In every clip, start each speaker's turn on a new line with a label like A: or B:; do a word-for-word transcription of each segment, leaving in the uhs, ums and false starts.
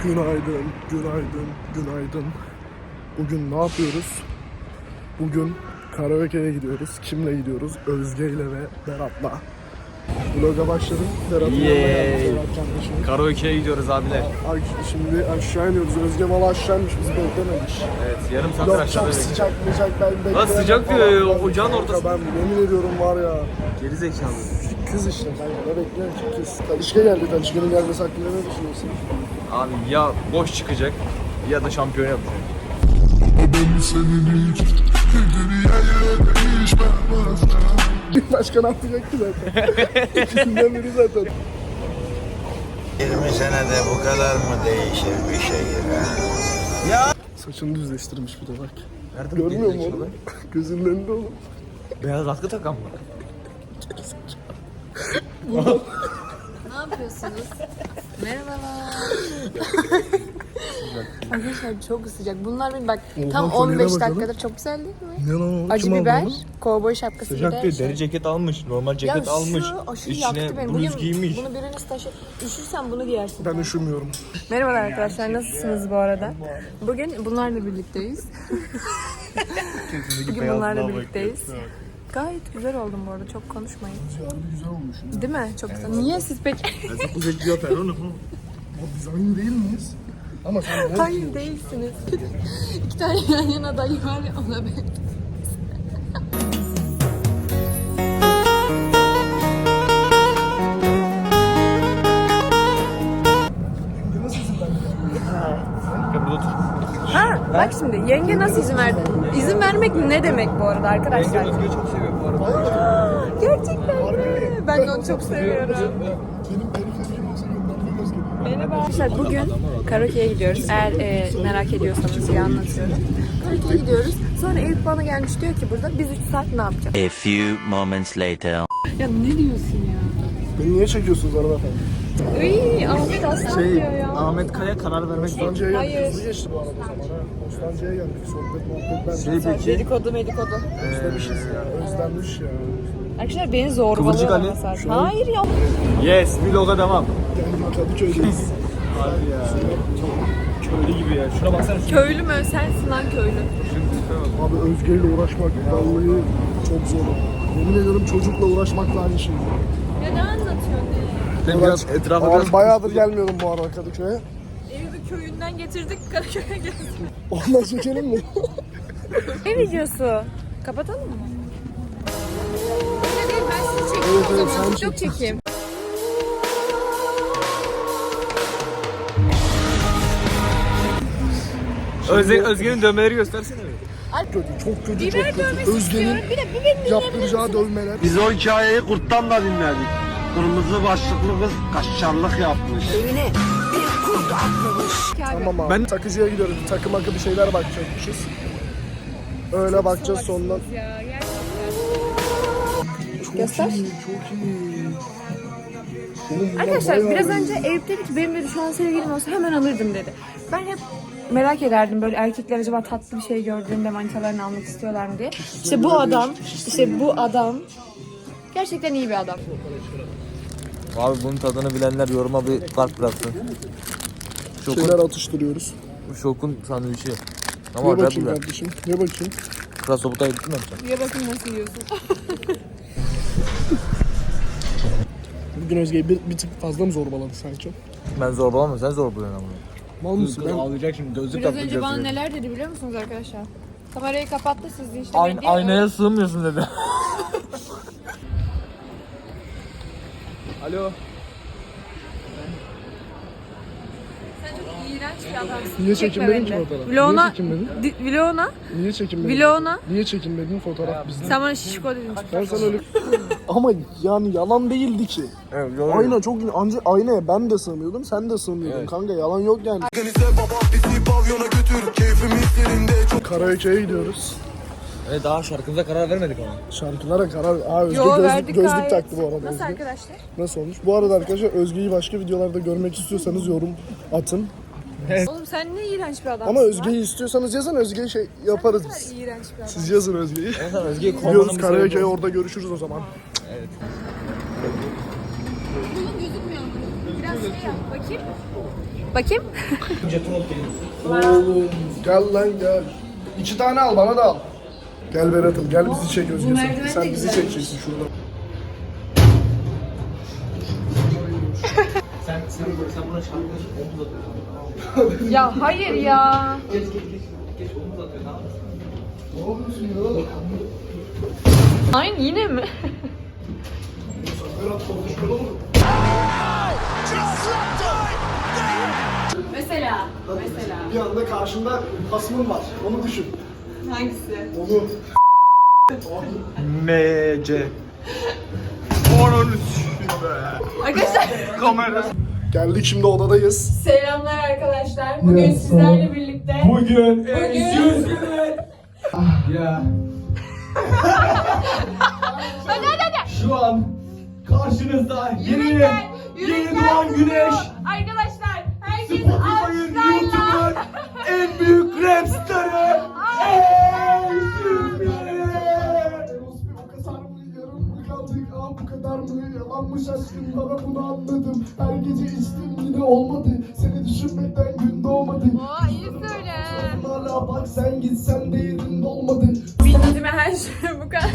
A: Günaydın, günaydın, günaydın. Bugün ne yapıyoruz? Bugün karaoke'ye gidiyoruz. Kimle gidiyoruz? Özge ile ve Berat'la. Vlog'a başladım. Berat'ın
B: Yeeey. Karaoke'ye gidiyoruz abiler.
A: Ay, şimdi aşağı iniyoruz. Özge valla aşağıymış, bizi beklememiş.
B: Evet, yarım saattir
A: Yok
B: aşağıda
A: çok
B: bekliyoruz.
A: sıcak sıcak ben beklemedim.
B: Lan sıcak
A: falan.
B: diyor ya,
A: Ben-
B: ocağın
A: Kanka
B: ortasında.
A: Ben yemin ediyorum var ya.
B: Geri zekalı.
A: Kız işte kanka, ne bekliyorum ki kız. Talişka geldi, Talişka'nın gelmesi hakkında ne düşünüyorsun?
B: Abi ya boş çıkacak ya da şampiyon yapacak.
A: Başka ne yapacak ki zaten? İkisinden biri zaten.
C: yirmi senede bu kadar mı değişir bir şehir ha?
A: Saçını düzleştirmiş bir de bak.
B: Nerede
A: Görmüyor musun oğlum? Gözünün önünde oğlum.
B: Beyaz atkı takan mı?
D: Ne yapıyorsunuz? Merhabalar. Arkadaşlar çok sıcak. Bunlar bir bak
A: Oha,
D: tam
A: kolyeyle
D: on beş
A: bakalım.
D: dakikadır çok güzel değil mi?
A: Ne lan o?
D: Acı
A: Kim aldı
D: biber,
A: onu?
D: kovboy şapkası bir
B: Sıcak
D: de
B: değil,
D: şey.
B: deri ceket almış, normal
D: Ya
B: ceket
D: şu
B: almış.
D: aşırı
B: İçine
D: yaktı beni.
B: bluz
D: Bugün
B: giymiş.
D: bunu biriniz taşı... Üşürsen bunu giyersin.
A: Ben üşümüyorum.
D: Merhabalar arkadaşlar, nasılsınız bu arada? Bugün bunlarla birlikteyiz. Bugün bunlarla birlikteyiz. Gayet güzel oldum bu arada, çok konuşmayın.
A: Güzel olmuş.
D: Değil mi? Çok güzel. Niye siz peki?
B: Bu zeki yapar onu.
A: Ya biz aynı değil miyiz? Ama sen ne?
D: Hayır değilsiniz. İki tane yan yana dayı var ya, ona ben.
B: Gel burada otur.
D: Ha, bak şimdi yenge nasıl izin verdi? İzin vermek ne demek bu arada arkadaşlar?
B: Özgür'ü çok seviyorum bu arada.
D: Gerçekten mi? Ben de onu çok seviyorum.
A: Benim periferikim olsa göndermem Özge.
D: Merhaba arkadaşlar, bugün karaoke'ye gidiyoruz. Eğer e, merak ediyorsanız diye anlatıyorum. Karaoke'ye gidiyoruz. Sonra Eyüp bana gelmiş, diyor ki burada biz üç saat ne yapacağız?
C: A few moments later.
D: Ya ne diyorsun ya?
A: Beni niye çekiyorsunuz hanımefendi?
D: Iy, Ahmet aslan
B: Şey,
D: diyor ya.
B: Ahmet Kaya karar vermek zor.
A: Bostancı'ya geldik.
D: Hayır.
A: Hızlı geçti bu arada o zaman ha. Bostancı'ya geldik. Sohbet muhabbet ben.
B: Şey peki,
D: Dedikodu medikodu.
A: Özlemişiz ya. Özlenmiş ya.
D: Arkadaşlar beni
B: Kıvırcık
D: zorbalıyor
B: Ali.
D: ama zaten. Hayır ya.
B: yes, vloga devam.
A: Geldik Kadıköy'deyiz.
B: Abi ya, çok köylü gibi ya. Şuna baksana. Şu
D: Köylü mü? Sensin lan köylü.
A: Abi Özge ile uğraşmak vallahi çok zor. Yemin ediyorum çocukla uğraşmakla aynı şey.
D: Ya ne anlatıyorsun ya?
B: Ben biraz etrafa
A: Abi
B: biraz...
A: bayağıdır gelmiyordum bu arada Kadıköy'e.
D: Eyüp'ü köyünden getirdik, Karaköy'e geldik.
A: Ondan çekelim mi?
D: Ne videosu? Kapatalım mı? Öyle değil, ben sizi çekeyim
A: Evet,
D: o
A: evet,
D: zaman.
A: sen
D: Çok çekeyim.
B: Özge, Özge'nin dövmeleri göstersene.
A: Kötü, çok kötü,
D: Biber
A: çok kötü.
D: dövmesi
A: Özge'nin
D: istiyorum. Bir de biberini
A: yaptıracağı dövmeler.
E: Biz o hikayeyi kurttan da dinledik. Kırmızı başlıklı kız kaşarlık yapmış.
A: Tamam abi. Ben takıcıya gidiyoruz. Takım makı bir şeyler bakacakmışız. Öyle bakacağız sondan.
D: Ya, gerçekten.
A: Çok
D: Göster.
A: iyi, çok iyi. Oğlum bunlar
D: Arkadaşlar
A: bayağı
D: biraz
A: iyi.
D: önce Eyüp dedi ki benim dedi şu an sevgilim olsa hemen alırdım dedi. Ben hep merak ederdim böyle erkekler acaba tatlı bir şey gördüğünde manitalarını almak istiyorlar mı diye. İşte bu adam, işte bu adam gerçekten iyi bir adam.
B: Abi bunun tadını bilenler yoruma bir kalp bıraksın.
A: Şeyler
B: Şokun,
A: atıştırıyoruz.
B: şokun sandviçi.
A: Ye
B: Ama acayip
A: bakayım
B: güzel.
A: kardeşim. Ye bakayım.
B: Krasobut'a gittin mi yapacaksın?
D: Ya bakın nasıl yiyorsun.
A: Bugün Özge'yi bir, bir tık fazla mı zorbaladı sanki?
B: Ben zorbalamam, sen zorbalıyorsun ama.
A: Mal mısın? Ben
B: ağlayacak şimdi, gözlük
D: Biraz önce bana neler dedi biliyor musunuz arkadaşlar? Kamerayı kapattı, siz de işte
B: Ayn
D: medya-
B: aynaya sığmıyorsun dedi. Alo.
D: Sen çok iğrenç bir adamsın.
A: Niye
D: Çekme
A: çekinmedin ki
D: beni de.
A: fotoğraf?
D: Vlog'una,
A: Niye çekinmedin?
D: di- vlog'una,
A: Niye çekinmedin?
D: Vlog'una.
A: Niye çekinmedin fotoğraf bizden?
D: Sen bana şişko dedin.
A: Ben sana öyle... Ama yani yalan değildi ki.
B: Evet,
A: Ayna çok anca aynaya ben de sığmıyordum, sen de sığmıyordun
B: Evet.
A: kanka, yalan yok yani. Karaoke'ye gidiyoruz.
B: Evet, daha şarkımıza karar vermedik ama.
A: Şarkılara karar... Aa, Özge
D: Yo,
A: gözlük,
D: verdik
A: gözlük
D: gayet.
A: taktı bu arada.
D: Nasıl
A: Özge.
D: arkadaşlar?
A: Nasıl olmuş? Bu arada arkadaşlar Özge'yi başka videolarda görmek istiyorsanız yorum atın.
D: Oğlum sen ne iğrenç bir adamsın
A: Ama
D: lan?
A: Özge'yi istiyorsanuz yazın, Özge'yi şey yaparız
D: Ne
A: biz.
D: kadar iğrenç bir adam.
A: Siz yazın Özge'yi.
B: Sen Özge'yi
A: Gidiyoruz karaoke'ye, orada görüşürüz o zaman.
D: Kolun gözükmüyor. Biraz şey yap bakayım. Bakayım.
A: Oğlum gel lan gel. İki tane al bana da al. Gel Berat'ım gel bizi çek Özge sen.
D: merdiven de
A: Sen bizi
D: güzelmiş.
A: çekeceksin şurada.
D: Ya hayır ya.
A: Ne yapıyorsun ya?
D: Aynı yine mi?
A: Berat konuşmalı olur.
D: Mesela. Mesela.
A: Bir anda karşında hasmın var. Onu düşün.
D: Hangisi?
A: Onu.
E: M C. Onun
D: Arkadaşlar
A: Geldik şimdi odadayız.
D: selamlar arkadaşlar. Bugün sizlerle birlikte.
E: Bugün
D: Bugün.
E: Ya.
D: Hadi hadi hadi.
E: Şu an karşınızda yeni
D: Yürekten,
E: yeni
D: yürekten
E: doğan güneş.
D: Arkadaşlar herkes
E: Spotify'ın
D: alkışlarla.
E: YouTube'un en büyük rap starı. Ey Türkiye.
A: O kadar mı yarım mı kaldık ah bu kadar mı yalanmış aşkım bana bunu anladım. Her gece içtim yine olmadı. Seni düşünmekten gün doğmadı.
D: Oo iyi söyle.
A: Hala bak sen gitsen de yerinde olmadı.
D: Bildiğime her şey bu kadar.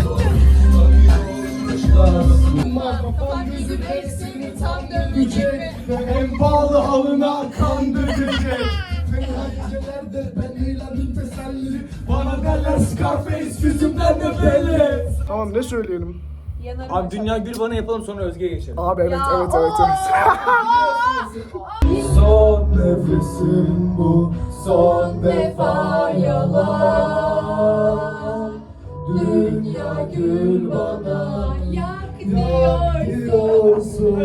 D: Kafam gözüm hepsini tam dönmeyecek.
A: En pahalı halına kandıracak. Fena gecelerde ben eğlendim teselli.
E: Bana derler Scarface yüzümden de belli.
A: Tamam ne söyleyelim?
D: Yanarım.
E: Abi Dünya Gül bana yapalım sonra Özge'ye geçelim.
A: Abi evet
D: Ya,
A: evet evet evet.
E: Son nefesim bu, son
D: defa yalan. Dünya gül bana yak diyorsun.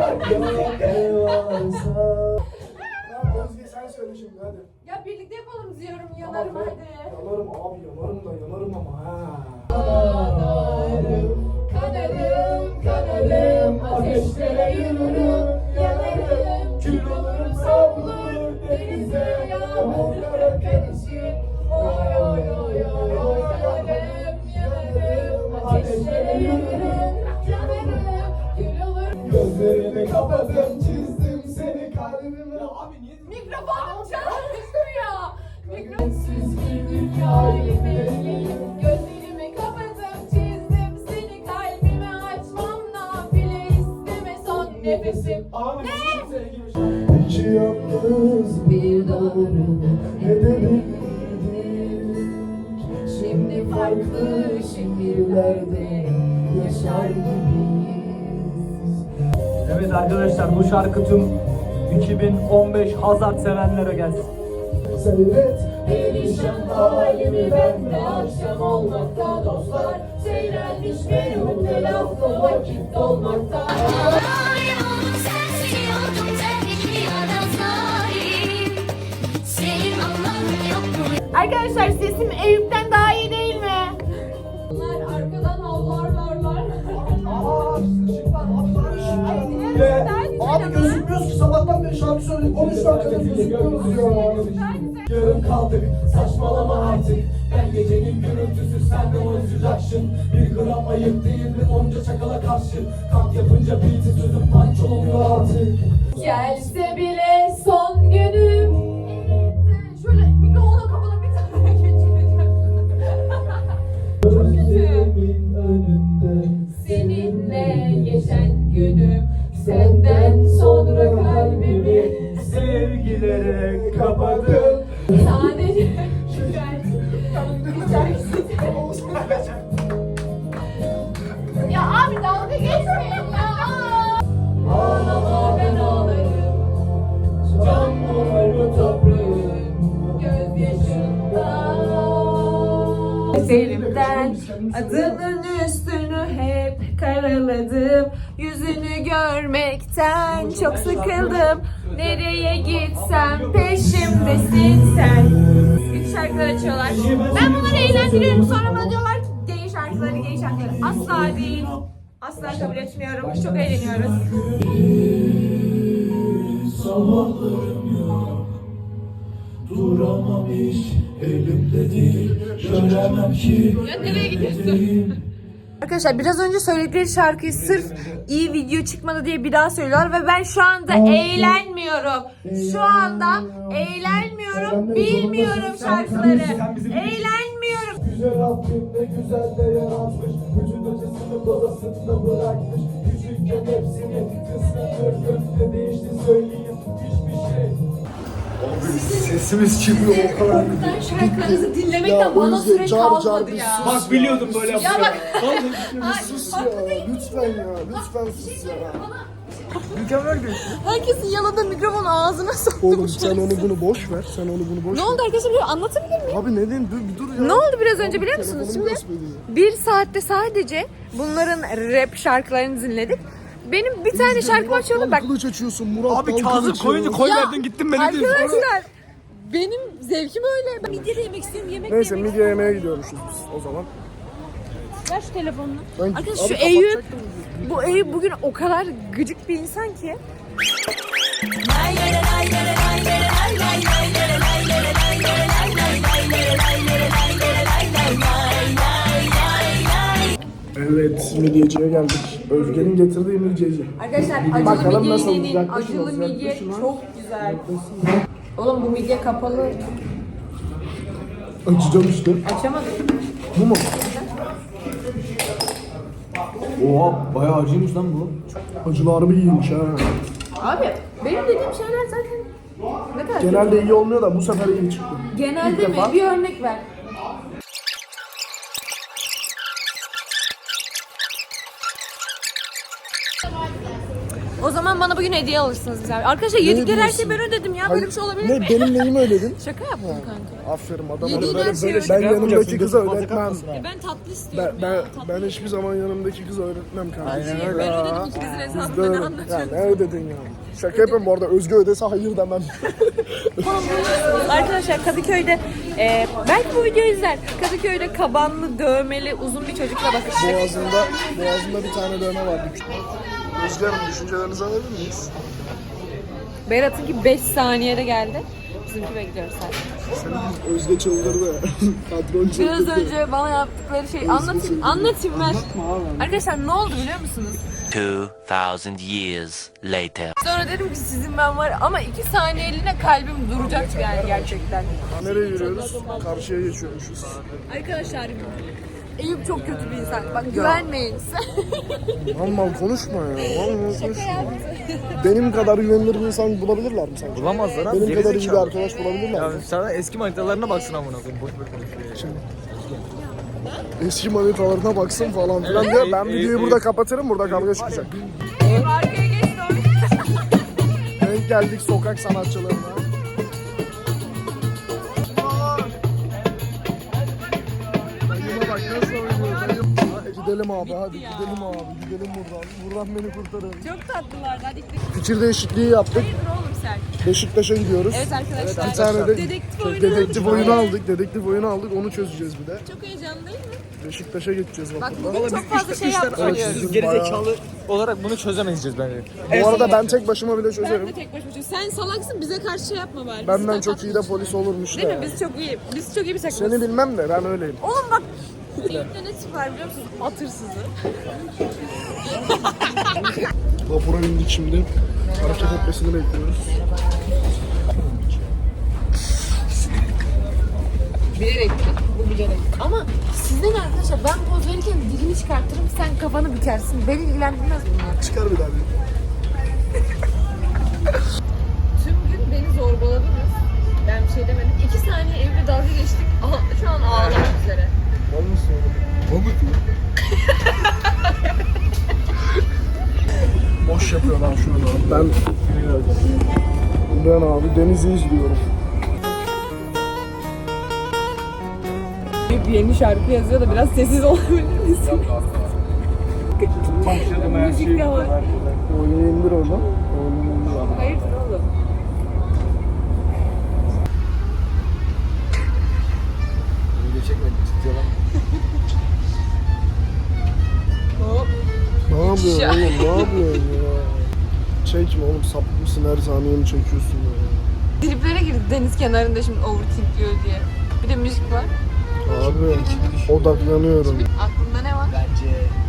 A: Özge sen söyle şimdi hadi.
D: Ya birlikte yapalım diyorum yanarım hadi.
A: Yanarım abi yanarım da yanarım ama ha.
D: Kanarım kanarım ateşlere yürürüm yanarım. Kül olurum savrulur denize yağmurlara karışır. Oy oy oy oy oy yanarım yanarım ateşlere yürürüm yanarım. Kül olurum.
A: Gözlerimi kapadım çizdim seni kalbime.
E: Abi niye?
D: Mikrofonum çalışmıyor. Mikrofonsiz bir dünyayı bekleyip gözlerimi kapatıp çizdim seni kalbime açmam nafile isteme son nefesim.
A: İki yalnız
D: Bir doğru
A: edebildik.
D: şimdi farklı şehirlerde yaşar gibiyiz.
E: Evet arkadaşlar bu şarkı tüm iki bin on beş Hazard sevenlere gelsin.
A: Seyret
D: Perişan halimi ben de akşam olmakta dostlar. Seyrelmiş meyhunde lafla vakit dolmakta. Arkadaşlar sesim Eyüp'ten daha iyi değil mi? Bunlar arkadan havlarlarlar.
A: Abi gözükmüyoruz ki sabahtan beri şarkı söyledik. on üç dakikada gözükmüyoruz ya.
E: Yarım kaldık saçmalama artık. Ben gecenin gürültüsü sen de oyuncuyacaksın. Bir gram ayıp değil mi onca çakala karşı. Kalk yapınca beat'i sözüm punch olmuyor artık.
D: Gelse bile son günüm. Şöyle mikrofonu kapalı bir tane geçireceğim. Çok kötü. Seninle geçen günüm. Senden sonra kalbimi
E: Sevgilere kapadım.
D: sadece güzel. Ya abi dalga geçmeyin ya. Ağlama ben ağlarım. Can olur bu toprağın gözyaşında. Eserimden adının üstünü hep karaladım. Yüzünü görmekten çok sıkıldım. Nereye gitsem peşimdesin sen. Kötü şarkılar açıyorlar. Ben bunları eğlendiriyorum. Sonra bana diyorlar ki gay şarkıları, gay şarkıları. Asla değil. Asla kabul etmiyorum. Çok eğleniyoruz.
F: Sabahlarım yok, duramam hiç elimde değil, göremem ki
D: Ya nereye gidiyorsun? Arkadaşlar biraz önce söyledikleri şarkıyı sırf iyi video çıkmadı diye bir daha söylüyorlar ve ben şu anda eğlenmiyorum. Şu anda eğlenmiyorum, bilmiyorum şarkıları. Eğlenmiyorum.
E: Yüce Rabbim ne güzel de yaratmış. Bütün acısını babasında bırakmış. Küçükken hepsini kısmet gönlümde değişti söyleyeyim hiçbir şey.
A: Sesimiz çıkmıyor o kadar.
D: Şarkılarınızı dinlemekten bana
A: Özge,
D: süre
A: car car
D: kalmadı
A: bir
D: ya.
A: sus
E: Bak biliyordum böyle
D: Ya
E: yapacağını.
D: bak.
A: Sus ya, lütfen ya, lütfen sus ya.
D: Herkesin yaladığı mikrofon ağzına soktu.
A: Oğlum sen onu bunu boş ver, sen onu bunu boş
D: Ne
A: ver.
D: oldu arkadaşlar, biliyor musun? Anlatabilir miyim?
A: Abi ne diyeyim, dur bir dur ya.
D: Ne oldu biraz önce biliyor musunuz?
A: Telefonumu
D: Şimdi
A: gösteriyor.
D: bir saatte sadece bunların rap şarkılarını dinledik. Benim bir tane şarkım
A: Murat
D: açıyordu
A: Dal
D: bak.
A: Kılıç açıyorsun, Murat
E: Abi
A: Dal
E: Kazım
A: Kılıç
E: koyunca
A: ya.
E: koy
D: Ya,
E: verdin gittin beni değil.
D: Arkadaşlar benim zevkim öyle. Ben midye de yemek istiyorum, yemek de
A: Neyse
D: yemek
A: midye yemeye gidiyormuşuz biz o zaman.
D: Ver şu telefonunu.
A: Ben,
D: Arkadaşlar
A: abi
D: şu Eyüp,
A: kapatacaktım.
D: bu Eyüp bugün o kadar gıcık bir insan ki.
A: Evet, midyeciye geldik. Özge'nin getirdiği midyeci.
D: Arkadaşlar acılı
A: Bakalım
D: midye
A: nasıl
D: deneyin.
A: olacak,
D: Acılı
A: yaklaşın,
D: midye
A: yaklaşın ha.
D: çok güzel. Oğlum bu midye kapalı.
A: Açacağım işte.
D: Açamadım.
A: Bu mu?
E: Oha bayağı acıymış lan bu.
A: Acılı harbi iyiymiş ha.
D: Abi benim dediğim şeyler zaten ne kadar
A: Genelde iyi olmuyor da bu sefer iyi çıktı.
D: Genelde
A: İlk
D: mi?
A: defa.
D: Bir örnek ver. O zaman bana bugün hediye alırsınız bize. Arkadaşlar yedikleri her şeyi ben ödedim ya. Böyle bir şey olabilir
A: ne,
D: mi?
A: Benim neyimi ödedin?
D: Şaka yaptım kanka.
A: Aferin adam.
D: Yediğin
A: Böyle,
D: her şeyi
A: böyle,
D: öyle
A: ben yanımdaki kıza öğretmem.
D: Ben tatlı
A: Ben,
D: istiyorum
A: ben,
D: ya. Tatlı.
A: ben hiçbir zaman yanımdaki kıza öğretmem kardeşim.
D: Ben ödedim ikinizin hesabını, ne
A: Ya
D: anlatıyorsun?
A: ne ödedin ya? Şaka yapıyorum bu arada, Özge ödese hayır demem.
D: Arkadaşlar Kadıköy'de e, belki bu videoyu izler. Kadıköy'de kabanlı, dövmeli, uzun bir çocukla bakıştık.
A: Boğazında, boğazında bir tane dövme var. Özge Hanım, düşüncelerinizi alabilir miyiz?
D: Berat'ınki beş saniyede geldi. Bizimki bekliyoruz sadece.
A: Senin Özge çıldırdı. Patron çıldırdı.
D: Biraz önce bana yaptıkları şeyi anlatayım, anlatayım ver. Arkadaşlar ne oldu biliyor musunuz?
G: Two thousand years later.
D: Sonra dedim ki sizin ben var ama iki saniyeliğine kalbim duracaktı yani gerçekten.
A: Nereye yürüyoruz? Karşıya geçiyormuşuz.
D: Arkadaşlar Eyüp çok kötü bir insan. Bak güvenmeyin.
A: Mal mal konuşma ya. Mal mal konuşma. Benim kadar güvenilir bir insan bulabilirler mi sence?
B: Bulamazlar abi.
A: Benim kadar iyi bir
B: gerizekalı.
A: arkadaş bulabilirler
B: Ya
A: mi?
B: sana eski manitalarına baksın amına koyayım. Boş boş konuşuyor.
A: Eski manitalarına baksın falan filan diyor. Ben videoyu burada kapatırım, burada kavga çıkacak.
D: Arkaya geç
A: Denk geldik sokak sanatçılarına. Dayıma bak nasıl oynuyor dayım. Gidelim abi hadi gidelim abi gidelim buradan. Buradan beni kurtarın.
D: Çok tatlılardı. Hadi gidelim.
A: Fikir değişikliği yaptık.
D: Hayırdır oğlum sen?
A: Beşiktaş'a gidiyoruz.
D: Evet arkadaşlar.
A: Bir tane de
D: Dedektif oyunu
A: dedektif
D: aldık.
A: oyunu aldık. Dedektif oyunu aldık. Onu çözeceğiz bir de.
D: Çok heyecanlı değil mi?
A: Beşiktaş'a geçeceğiz
D: Bak
A: vapurla.
D: bugün çok fazla şey yapmış
A: Evet,
D: oluyoruz.
A: sizin
B: Gerizekalı olarak bunu çözemeyeceğiz bence.
A: Bu arada ben tek başıma bile
D: Ben
A: çözerim.
D: de tek başıma çözüyorum. Sen salaksın, bize karşı şey yapma bari.
A: Benden
D: Biz
A: çok iyi de polis olurmuş
D: Değil mi?
A: da.
D: Biz çok iyi. Biz çok iyi bir takımız.
A: Seni bilmem de ben öyleyim.
D: Oğlum bak. Eyüp'te ne tip var biliyor musunuz? At hırsızı.
A: Vapura bindik şimdi. Hareket etmesini bekliyoruz.
D: Bilerek mi? Bu bilerek. Ama sizden arkadaşlar ben poz verirken dilini çıkartırım, sen kafanı bükersin. Beni ilgilendirmez bunlar.
A: Çıkar bir daha bir.
D: Tüm gün beni zorbaladınız. Ben bir şey demedim. İki saniye evde dalga geçtik. Aha, şu an ağlamak üzere.
A: Olmuş sonra. Olmuş mu? Boş yapıyorlar şu an. Ben ben abi denizi izliyorum.
D: Bir yeni şarkı yazıyor da biraz sessiz olabilir misin? Müzik de var.
A: Oyunu indir oradan. Oyunu indir.
D: Hayırdır oğlum?
B: Video çekmedik ciddi olan.
D: Hop.
A: Ne yapıyorsun oğlum? Ne yapıyorsun ya? Çekme oğlum, sapık mısın, her saniye mi çekiyorsun ya?
D: Triplere girdi deniz kenarında şimdi overthinkliyor diye. Bir de müzik var.
A: Abi odaklanıyorum.
D: Aklında ne var?
B: Bence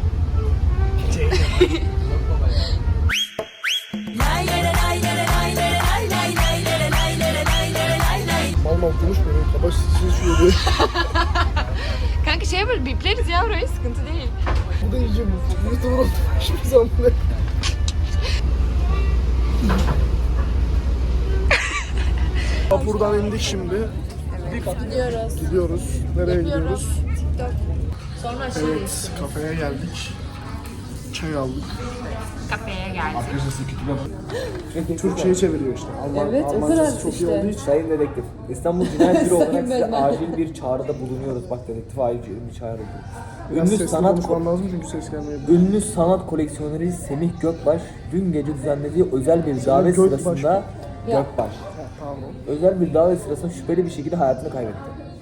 A: Mal mal konuşmuyor. Kabaş sesini şöyle.
D: Kanka şey yapalım, bipleriz ya orayı, sıkıntı değil.
A: Bu da iyice bu. YouTube'da hiçbir zaman ne? Vapurdan indik şimdi.
D: Gidiyoruz.
A: Gidiyoruz. Nereye
D: Yapıyoruz.
A: gidiyoruz?
D: TikTok. Sonra aşağı
A: Evet, kafeye geldik. Çay aldık.
D: kafeye geldik.
A: Türkçe'ye çeviriyor işte. Alman,
D: Evet, o
A: Almancası
D: kadar
A: çok
D: işte.
A: iyi olduğu için.
B: Sayın dedektif, İstanbul Cinayet Büro olarak
D: Sayın
B: size
D: ben-
B: acil bir çağrıda bulunuyoruz. Bak dedektif acil bir çağrı.
A: Biraz
B: Ünlü
A: sesli
B: sanat
A: konuşmam lazım çünkü ses gelmiyor.
B: Ünlü sanat koleksiyoneri Semih Gökbaş dün gece düzenlediği özel bir davet
A: Gökbaş
B: sırasında
A: mı?
B: Gökbaş.
A: Pardon.
B: Özel bir davet sırasında şüpheli bir şekilde hayatını kaybetti.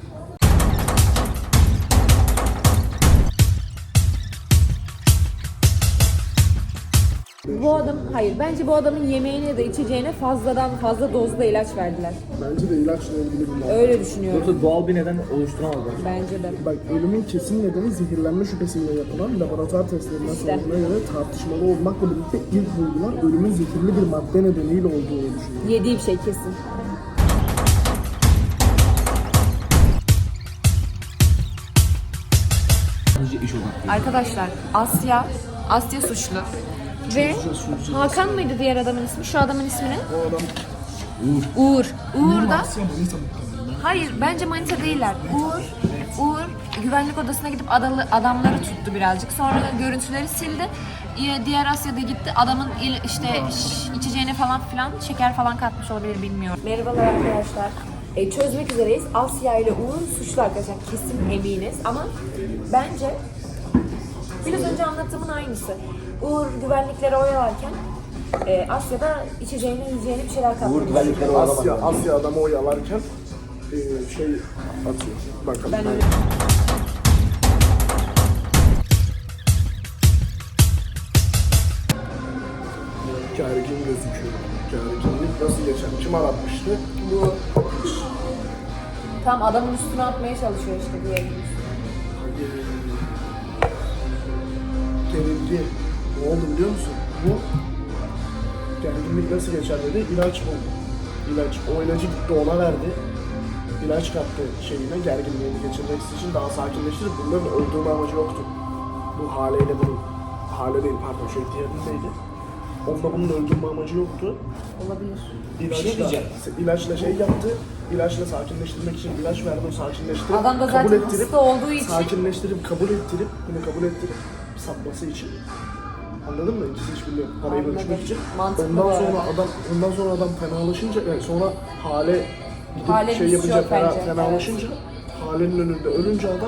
D: Bu adam, hayır bence bu adamın yemeğine ya da içeceğine fazladan fazla dozda ilaç verdiler.
A: Bence de ilaçla ilgili bir muhabbet.
D: Öyle düşünüyorum.
B: Yoksa doğal bir neden oluşturamazlar.
D: Bence de.
A: Bak ölümün kesin nedeni zehirlenme şüphesiyle yapılan laboratuvar testlerinden
D: İşte.
A: sonucuna göre tartışmalı olmakla birlikte ilk bulgular ölümün zehirli bir madde nedeniyle olduğunu düşünüyor.
D: Yediği bir şey kesin. Arkadaşlar Asya, Asya suçlu. Ve Hakan mıydı diğer adamın ismi? Şu adamın ismi ne?
A: O adam
D: Uğur. Uğur da
A: Asya Manisa muhtemelen.
D: hayır bence manita değiller. Uğur Uğur güvenlik odasına gidip adalı, adamları tuttu birazcık. Sonra görüntüleri sildi. Ee, Diğer Asya'da gitti. Adamın il- işte ş- içeceğine falan filan şeker falan katmış olabilir, bilmiyorum. Merhabalar arkadaşlar. E, çözmek üzereyiz. Asya ile Uğur suçlu arkadaşlar. Kesin eminiz ama bence biraz önce anlattığımın aynısı. Uğur güvenlikleri oyalarken e, Asya da içeceğine yiyeceğine bir şeyler katmış.
B: Uğur güvenlikleri oyalamaz.
A: Asya, Asya adamı oyalarken e, şey atıyor. Bakalım.
D: Ben öyle.
A: Gergin gözüküyor. Gerginlik nasıl geçer? Kim aratmıştı? Bu.
D: Tam adamın üstüne atmaya çalışıyor işte diye.
A: Gerildi. Ne oldu biliyor musun? Bu gerginlik nasıl geçer dedi. İlaç buldu. İlaç. O ilacı gitti ona verdi. İlaç kattı şeyine gerginliğini geçirmek için daha sakinleştirip bunların öldürme amacı yoktu. Bu haleyle bunun. Hale değil pardon şey diğerindeydi. Onda bunun öldürme amacı yoktu.
D: Olabilir.
A: İlaçla, ilaçla şey yaptı. İlaçla sakinleştirmek için ilaç verdi. O sakinleştirip
D: Adam da
A: kabul
D: zaten
A: ettirip
D: hasta olduğu için
A: sakinleştirip kabul ettirip bunu kabul ettirip satması için. Anladın mı? İkisi hiçbirini parayı
D: Anladım.
A: bölüşmek için.
D: Mantıklı
A: ondan
D: bu
A: sonra
D: arada.
A: adam ondan sonra adam fenalaşınca yani sonra hale gidip
D: Hale
A: şey
D: bir
A: yapınca
D: şok
A: fena,
D: bence,
A: fenalaşınca halenin önünde ölünce adam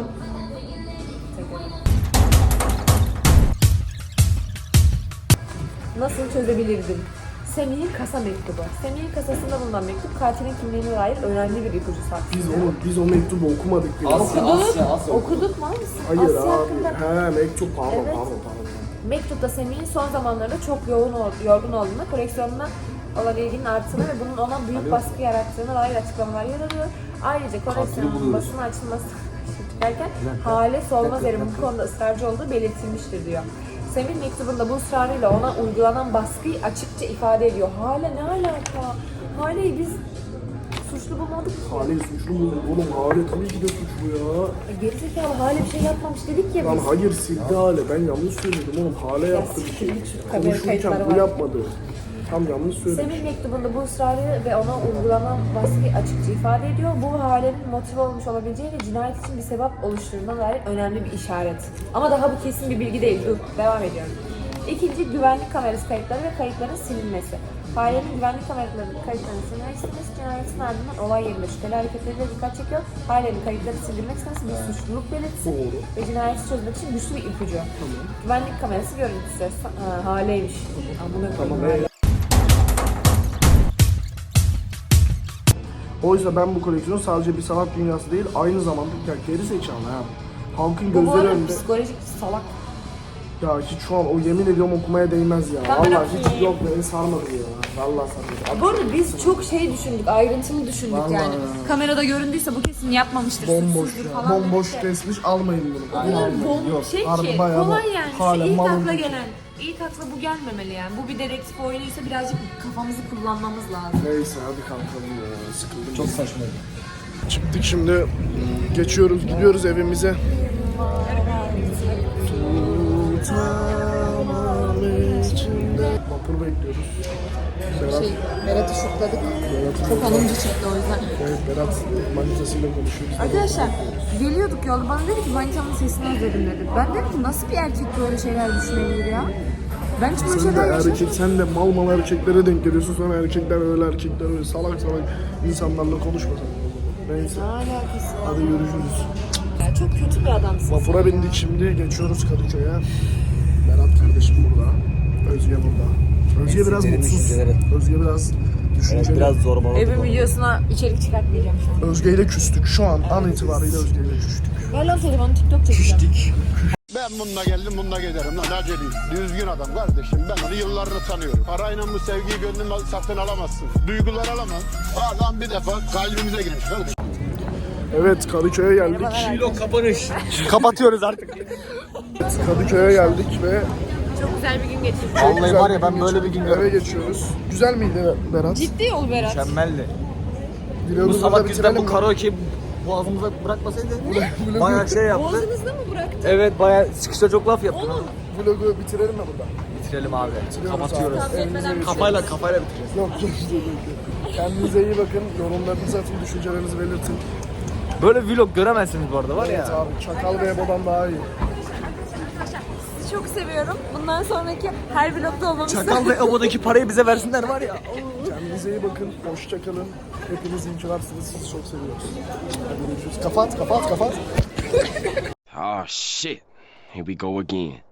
D: nasıl çözebilirdim? Semih'in kasa mektubu. Semih'in kasasında bulunan mektup katilin kimliğine dair önemli bir ipucu saklıyor.
A: biz onu biz o mektubu okumadık bile.
B: Asya, Asya, Asya.
D: Okuduk mu?
A: Hayır
D: Asya
A: abi.
D: hakkında.
A: He mektup pardon
D: Evet.
A: pardon pardon.
D: Mektupta Semih'in son zamanlarda çok yoğun ol- yorgun olduğunu, koleksiyonuna olan ilginin arttığını ve bunun ona büyük baskı yarattığına dair açıklamalar yer alıyor. Ayrıca koleksiyonun
B: buluyoruz.
D: basına açılması derken Hale Solmazer'in bu konuda ısrarcı olduğu belirtilmiştir diyor. Semih mektubunda bu ısrarıyla ona uygulanan baskıyı açıkça ifade ediyor. Hale ne alaka? Hale'yi biz suçlu bulmadık ki.
A: Hale suçlu mu? Oğlum Hale tabii ki de suçlu ya.
D: E, Gerizekalı Hale bir şey yapmamış dedik ya
A: Lan
D: biz.
A: hayır sildi Hale. Ben yanlış söyledim oğlum. Hale yaptı bir şey.
D: kamera
A: Konuşurken
D: kayıtları
A: bu
D: var.
A: yapmadı. Tam yanlış söyledim.
D: Semih mektubunda bu ısrarı ve ona uygulanan baskıyı açıkça ifade ediyor. Bu Hale'nin motive olmuş olabileceği ve cinayet için bir sebep oluşturduğuna dair önemli bir işaret. Ama daha bu kesin bir bilgi değil. Dur, devam ediyorum. İkinci, güvenlik kamerası kayıtları ve kayıtların silinmesi. Hale'nin güvenlik kameralarının kayıtlarının silinmek istemesi cinayetin ardından olay yerinde şüpheli hareketleriyle dikkat çekiyor. Hale'nin kayıtları sildirmek istemesi bir suçluluk belirtisi
A: Doğru.
D: ve cinayeti çözmek için güçlü bir ipucu. Güvenlik kamerası görüntüsü. Ha, Hale'ymiş. Amına
A: Tamam.
D: koyayım.
A: evet. Oysa ben bu koleksiyon sadece bir sanat dünyası değil, aynı zamanda ya geri zekalı ha. Halkın
D: Bu bu
A: gözleri
D: arada
A: önünde.
D: psikolojik salak.
A: Ya hiç şu an o yemin ediyorum okumaya değmez ya.
D: Ben
A: Vallahi
D: bırakayım.
A: hiç yok beni sarmadı ya. Vallahi sarmadı.
D: Bu arada biz çok şey düşündük, ayrıntılı düşündük
A: Vallahi
D: yani.
A: ya.
D: Kamerada göründüyse bu kesin yapmamıştır,
A: Bomboş
D: suçsuzdur
A: ya.
D: falan.
A: Bomboş
D: dedik de.
A: kesmiş almayın bunu.
D: O kadar
A: Almayın.
D: bom
A: Yok,
D: şey
A: harbi
D: ki,
A: bayağı
D: kolay
A: bom-
D: yani.
A: Hala
D: İşte ilk
A: malın
D: akla
A: kötü.
D: gelen. İlk akla bu gelmemeli yani. Bu bir dedektif oyunuysa birazcık kafamızı kullanmamız lazım.
A: Neyse hadi kalkalım ya. Sıkıldım.
B: Çok saçmaydı.
A: Çıktık şimdi. Geçiyoruz, gidiyoruz evimize. Tutamam içinde. Vapur bekliyoruz. Berat,
D: Şey, Berat'ı şokladık.
A: Berat'ın
D: Çok alınca çekti o yüzden.
A: Evet, Berat manitasıyla konuşuyoruz.
D: Arkadaşlar geliyorduk yolda bana dedi ki manitamın sesini özledim dedi. Ben dedim ki nasıl bir erkek böyle şeyler düşünebilir ya? Ben hiç böyle
A: Sen de
D: şeyler yaşamadım.
A: erkek, sen de mal mal erkeklere denk geliyorsun. Sonra erkekler öyle erkekler öyle salak salak insanlarla konuşma sen. Neyse.
D: Ne alakası var?
A: Hadi görüşürüz.
D: Ya çok kötü bir adamsın.
A: Vapura bindik şimdi. Geçiyoruz Kadıköy'e. Berat kardeşim burada. Özge burada. Özge biraz
B: Derin
A: mutsuz.
B: düşünceleri.
A: Özge biraz düşünceli.
B: Evet, biraz zorbaladık
D: Evin
B: onu.
D: videosuna içerik çıkartmayacağım şu an.
A: Özge ile küstük. Şu an an itibariyle Özge ile küstük.
D: Ver lan telefonu TikTok çekeceğim.
H: Ben bununla geldim, bununla giderim lan aceleyim. Düzgün adam kardeşim, ben onu yıllarını tanıyorum. Parayla bu sevgiyi gönlümden satın alamazsın. Duygular alamam. Adam bir defa kalbimize girmiş kardeşim.
A: Evet Kadıköy'e geldik.
B: Vlog kapanış. Kapatıyoruz artık.
A: Kadıköy'e geldik ve
D: Çok güzel bir gün geçirdim.
A: çok
B: Vallahi
A: güzel
B: var ya, ben
A: gün
B: böyle bir
A: geçirdik.
B: gün
A: Eve geçiyoruz. Güzel miydi Berat?
D: Ciddi ol Berat.
B: Mükemmeldi. Bu
A: Vlogu burada
B: salak yüzden
A: bitirelim
B: bu
A: mi?
B: karaoke boğazımıza bırakmasaydı bayağı şey yaptı.
D: Boğazınızda mı bıraktın?
B: Evet, bayağı çıkışta çok laf yaptın.
D: Oğlum.
A: Vlogu bitirelim mi burada?
B: Bitirelim abi.
A: Bitiriyoruz
B: Kapatıyoruz.
A: abi. Elinize
B: Kafayla kafayla bitireceğiz.
A: Yok yok yok, yok. Kendinize iyi bakın. Yorumlarınızı atın, düşüncelerinizi belirtin.
B: Böyle vlog göremezsiniz bu arada var
A: Evet
B: ya.
A: abi Çakal ve Ebo'dan daha iyi.
D: Sizi çok seviyorum. Bundan sonraki her vlogda olmamı
B: Çakal ve Ebo'daki parayı bize versinler var ya.
A: Kendinize iyi bakın. Hoşça kalın. Hepiniz inkılarsınız. Sizi çok seviyoruz. Hadi görüşürüz. Kapat kapat kapat.
I: Oh shit. Here we go again.